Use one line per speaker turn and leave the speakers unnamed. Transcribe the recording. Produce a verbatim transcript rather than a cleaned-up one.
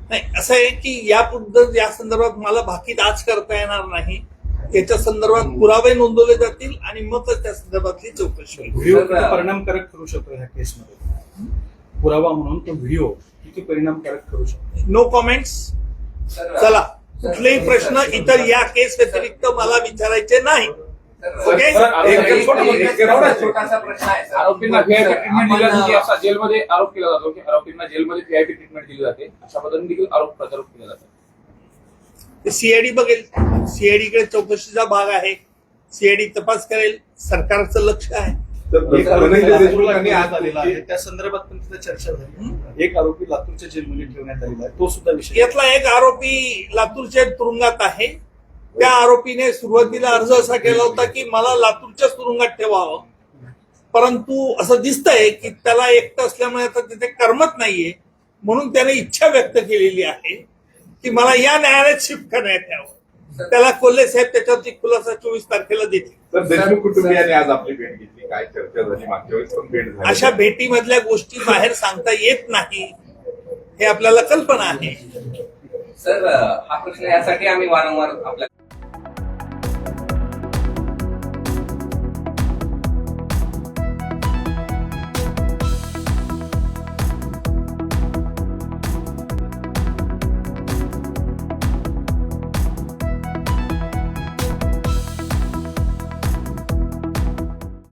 नाही, असं आहे की यापुढे या संदर्भात मला भाकीत आज करता येणार नाही. याच्या संदर्भात पुरावे नोंदवले जातील आणि मग त्या संदर्भातली चौकशी होईल.
व्हिडिओ किती परिणामकारक ठरू शकतो ह्या केसमध्ये? पुरावा म्हणून तो व्हिडिओ किती परिणामकारक ठरू शकतो?
No comments. चला, कुठलेही प्रश्न इतर या केस व्यतिरिक्त मला विचारायचे नाही. ओके.
एक छोटासा प्रश्न आहे.
आरोपींना व्हीआयपी ट्रीटमेंट दिली जाते असा जेलमध्ये आरोप केला जातो की आरोपींना जेलमध्ये व्हीआयपी ट्रीटमेंट दिली जाते, अशा पद्धतीने देखील आरोप प्रत्यारोप केला जातो.
सीआयडी बघेल. सीआयडी कडे चौकशीचा भाग आहे. सीआयडी तपास करेल. सरकारचं लक्ष आहे.
एक आरोपी लातूरला ठेवण्यात आलेला आहे, त्या संदर्भात पण तिथे चर्चा झाली. एक आरोपी लातूरच्या जेलमध्ये ठेवण्यात आलेला आहे, तो सुद्धा विषय.
यातला एक आरोपी लातूरच्या तुरुंगात आहे. त्या आरोपीने सुरुवातीला अर्ज असा केला होता की मला लातूरच्या तुरुंगात ठेवावं, परंतु असं दिसतंय की त्याला एकटं असल्यामुळे आता तिथे करमत नाहीये, म्हणून त्याने इच्छा व्यक्त केलेली आहे की मला या न्यायालयात शिफ्ट करण्यात यावं. त्याला कोल्हे साहेब त्याच्यावरती खुलासा चोवीस तारखेला देतील.
तर देशमुख कुटुंबियांनी आज आपली भेट घेतली, काय चर्चा झाली? मागच्या वेळेस पण भेट झाली.
अशा भेटीमधल्या गोष्टी बाहेर सांगता येत नाही हे आपल्याला कल्पना आहे.
सर, हा प्रश्न यासाठी आम्ही वारंवार आपल्या